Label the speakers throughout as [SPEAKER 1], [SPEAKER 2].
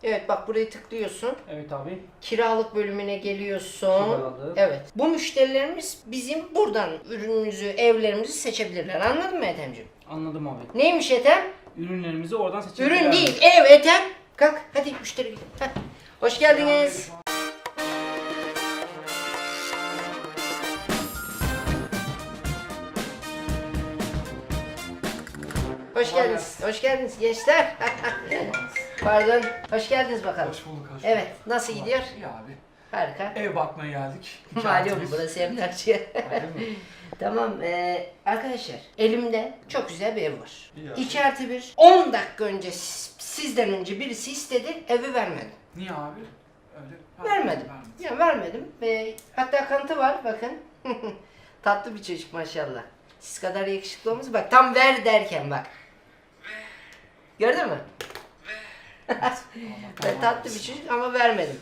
[SPEAKER 1] Evet bak burayı tıklıyorsun.
[SPEAKER 2] Evet abi.
[SPEAKER 1] Kiralık bölümüne geliyorsun.
[SPEAKER 2] Kiralık.
[SPEAKER 1] Evet. Bu müşterilerimiz bizim buradan ürünümüzü, evlerimizi seçebilirler. Anladın mı Ethem'ciğim?
[SPEAKER 2] Anladım abi.
[SPEAKER 1] Neymiş Ethem?
[SPEAKER 2] Ürünlerimizi oradan seçebiliriz.
[SPEAKER 1] Ürün değil, ev Ethem. Kalk hadi müşteri. Heh. Hoş geldiniz. Hoş geldiniz. Hoş geldiniz gençler. Pardon. Hoş geldiniz bakalım.
[SPEAKER 3] Hoş bulduk, hoş bulduk.
[SPEAKER 1] Evet. Nasıl gidiyor?
[SPEAKER 3] İyi abi.
[SPEAKER 1] Harika.
[SPEAKER 3] Ev bakmaya geldik.
[SPEAKER 1] Malum burası emlakçı.
[SPEAKER 3] Öyle mi?
[SPEAKER 1] Tamam arkadaşlar elimde çok güzel bir ev var.
[SPEAKER 3] İyi abi.
[SPEAKER 1] 2+1. 10 dakika önce sizden önce birisi istedi, evi vermedim.
[SPEAKER 3] Niye abi? Öyle.
[SPEAKER 1] Vermedim. Ya vermedim. Hatta kanıtı var bakın. Tatlı bir çocuk maşallah. Siz kadar yakışıklı olması bak tam ver derken bak. Gördün mü? Tatlı bir çocuk ama vermedim.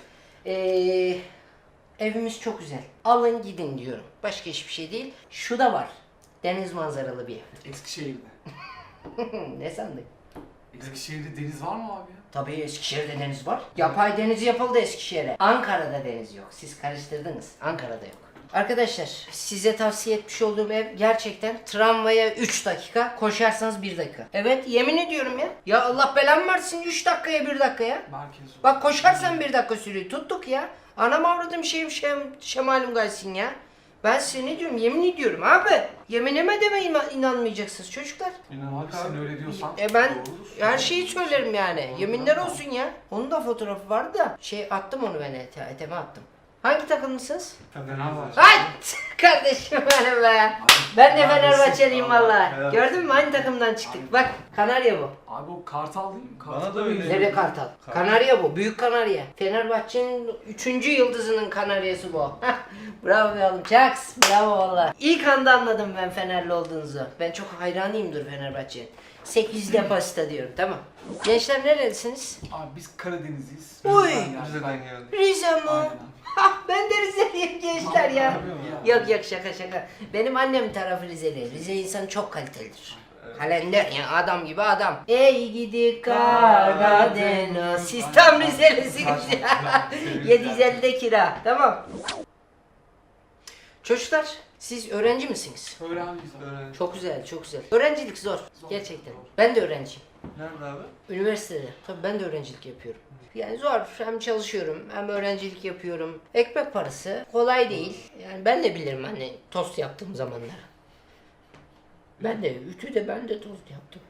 [SPEAKER 1] Evimiz çok güzel. Alın gidin diyorum. Başka hiçbir şey değil. Şu da var. Deniz manzaralı bir ev.
[SPEAKER 3] Eskişehir'de.
[SPEAKER 1] Ne sandın?
[SPEAKER 3] Eskişehir'de deniz var mı abi ya?
[SPEAKER 1] Tabii Eskişehir'de deniz var. Yapay deniz yapıldı Eskişehir'e. Ankara'da deniz yok. Siz karıştırdınız. Ankara'da yok. Arkadaşlar size tavsiye etmiş olduğum ev gerçekten tramvaya 3 dakika, koşarsanız 1 dakika. Evet yemin ediyorum ya. Ya Allah belamı versin 3 dakikaya 1 dakikaya.
[SPEAKER 3] Merkez olur.
[SPEAKER 1] Bak koşarsan 1 dakika sürüyor. Tuttuk ya. Anam avradım şemalum gaysın ya. Ben size ne diyorum yemin ediyorum abi. Yeminime deme inanmayacaksınız çocuklar.
[SPEAKER 3] İnan abi sen öyle diyorsan.
[SPEAKER 1] Ben
[SPEAKER 3] doğrudur.
[SPEAKER 1] her şeyi söylerim yani. Yeminler olsun ya. Onun da fotoğrafı vardı da attım onu ben Ethem'e attım. Hangi takımlısınız?
[SPEAKER 3] Fenerbahçe.
[SPEAKER 1] Ay kardeşim benim be. Ben de Fenerbahçeliyim valla.
[SPEAKER 3] Evet.
[SPEAKER 1] Gördün mü aynı takımdan çıktık. Bak Kanarya bu.
[SPEAKER 3] Abi o kartal değil mi?
[SPEAKER 4] Bana da öyle.
[SPEAKER 1] Nereye Kartal? Kanarya bu. Büyük Kanarya. Fenerbahçe'nin 3. yıldızının Kanaryası bu. Bravo be oğlum. Çaks. Bravo valla. İlk anda anladım ben Fenerli olduğunuzu. Ben çok hayranıyımdır Fenerbahçe'ye. 8 depasita diyorum tamam. Gençler nerelisiniz?
[SPEAKER 3] Abi biz Karadenizliyiz.
[SPEAKER 1] Uy!
[SPEAKER 4] Rize'den geldik.
[SPEAKER 1] Rize mi?
[SPEAKER 3] Aynen.
[SPEAKER 1] Hah ben de Rizeliyim gençler ya.
[SPEAKER 3] Abi
[SPEAKER 1] Yok yok şaka. Benim annem tarafı Rizeli. Rize insanı çok kalitelidir. Kalender ya adam gibi adam. Ey gidi Karadeniz. Siz tam Rizelisiniz ya. 750'de kira. Tamam. Çocuklar siz öğrenci misiniz?
[SPEAKER 3] Öğrenciyiz abi.
[SPEAKER 4] Öğrenci.
[SPEAKER 1] Çok güzel çok güzel. Öğrencilik zor. Gerçekten. Ben de öğrenciyim.
[SPEAKER 4] Nerede abi?
[SPEAKER 1] Üniversitede. Tabii ben de öğrencilik yapıyorum. Yani zor. Hem çalışıyorum hem öğrencilik yapıyorum. Ekmek parası kolay değil. Yani ben de bilirim hani tost yaptığım zamanlar. Ben de ütüde ben de tost yaptım.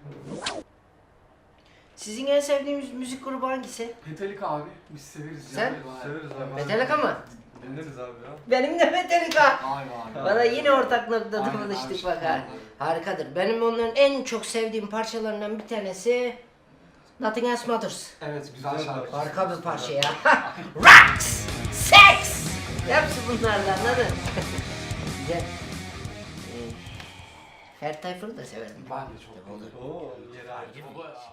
[SPEAKER 1] Sizin en sevdiğiniz müzik grubu hangisi?
[SPEAKER 3] Metallica abi. Biz severiz.
[SPEAKER 1] Sen?
[SPEAKER 3] Yani bayağı.
[SPEAKER 4] Severiz abi.
[SPEAKER 1] Metallica mı?
[SPEAKER 4] Dinleriz abi ya.
[SPEAKER 1] Benim de Metallica.
[SPEAKER 3] Aynen abi.
[SPEAKER 1] Bana yine ortak noktada
[SPEAKER 3] Aynen,
[SPEAKER 1] buluştuk
[SPEAKER 3] abi,
[SPEAKER 1] bak ha.
[SPEAKER 3] aynen.
[SPEAKER 1] Harikadır. Benim onların en çok sevdiğim parçalarından bir tanesi Nothing Else Matters.
[SPEAKER 3] Evet güzel şarkı.
[SPEAKER 1] Harika bir parça ya. Rocks! Sex! Hepsi bunlardan anladın? Güzel. Ferdi Tayfur'u da severim.
[SPEAKER 3] Ben de çok olur.
[SPEAKER 4] Oo, yeri ayrı.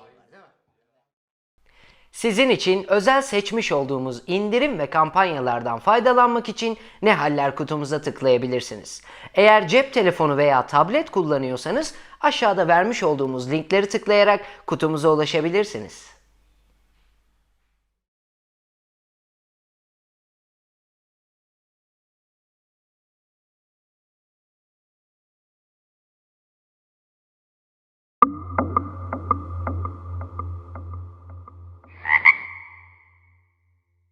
[SPEAKER 1] Sizin için özel seçmiş olduğumuz indirim ve kampanyalardan faydalanmak için ne haller kutumuza tıklayabilirsiniz. Eğer cep telefonu veya tablet kullanıyorsanız aşağıda vermiş olduğumuz linkleri tıklayarak kutumuza ulaşabilirsiniz.